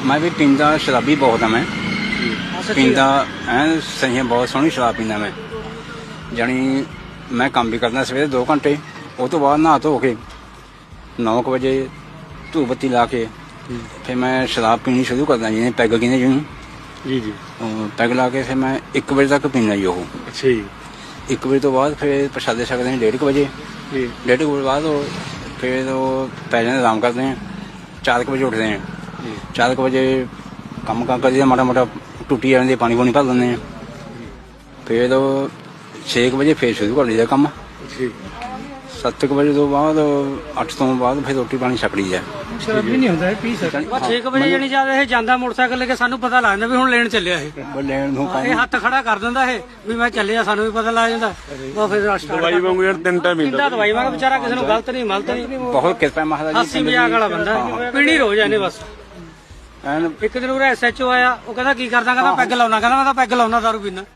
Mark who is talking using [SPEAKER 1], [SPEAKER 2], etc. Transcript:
[SPEAKER 1] मैं भी पींदा शराबी बहुत है। मैं पींदा सही बहुत सोहनी शराब पींदा मैं। जानी मैं काम भी करना सवेरे 2 घंटे, उस तो बाद नहा धो के 9 बजे धूप बत्ती ला के फिर मैं शराब पीनी शुरू करदा, जिन्हें पैग कहते जिन्होंने
[SPEAKER 2] जी जी।
[SPEAKER 1] पैग ला के फिर मैं 1 बजे तक पीना जी। वो
[SPEAKER 2] अच्छा जी।
[SPEAKER 1] 1 बजे तो बाद फिर प्रसादे छकते हैं 1:30 बजे। 1:30 बजे बाद फिर पै जाते आराम करते हैं। 4 बजे उठते हैं। 4 बजे कम कर माड़ा मोटा टूटी जाती, पानी पूनी भर लेंगे हैं। फिर 6 बजे फिर शुरू कर लीजिए कम। 7 बजे तो बाद 8 तो बाद फिर रोटी पानी छक ली है।
[SPEAKER 3] शराबी नहीं ਹੁੰਦਾ ਪੀ ਸਕਦਾ। ਬਸ 6 ਵਜੇ ਜਾਨੀ ਜਦ ਇਹ ਜਾਂਦਾ ਮੋਟਰਸਾਈਕਲ ਲੈ ਕੇ ਸਾਨੂੰ ਪਤਾ ਲੱਗ ਜਾਂਦਾ ਵੀ ਹੁਣ ਲੈਣ ਚੱਲਿਆ ਇਹ।
[SPEAKER 1] ਲੈਣ ਨੂੰ
[SPEAKER 3] ਇਹ ਹੱਥ ਖੜਾ ਕਰ ਦਿੰਦਾ ਇਹ ਵੀ ਮੈਂ ਚੱਲਿਆ, ਸਾਨੂੰ ਵੀ ਪਤਾ ਲੱਗ ਜਾਂਦਾ। ਉਹ ਫਿਰ
[SPEAKER 2] ਦਵਾਈ ਵਾਂਗੂ ਯਾਰ 3 ਟਾਈਮ
[SPEAKER 3] ਪੀਂਦਾ ਦਵਾਈ ਵਾਂਗ ਵਿਚਾਰਾ, ਕਿਸੇ ਨੂੰ ਗਲਤ ਨਹੀਂ ਮਲਤ ਨਹੀਂ।
[SPEAKER 1] ਬਹੁਤ ਕਿਰਪਾ ਮਹਾਰਾਜ
[SPEAKER 3] ਹਾਸੀ ਮਜ਼ਾਕ ਵਾਲਾ ਬੰਦਾ, ਪੀਣੀ ਰੋਜ਼ ਇਹਨੇ ਬਸ। ਇੱਕ ਦਿਨ ਉਹ SHO ਆਇਆ, ਉਹ ਕਹਿੰਦਾ ਕੀ ਕਰਦਾ, ਕਹਿੰਦਾ ਪੈਗ ਲਾਉਣਾ, ਕਹਿੰਦਾ ਮੈਂ ਤਾਂ ਪੈਗ ਲਾਉਣਾ ਦਾਰੂ ਪੀਣਾ।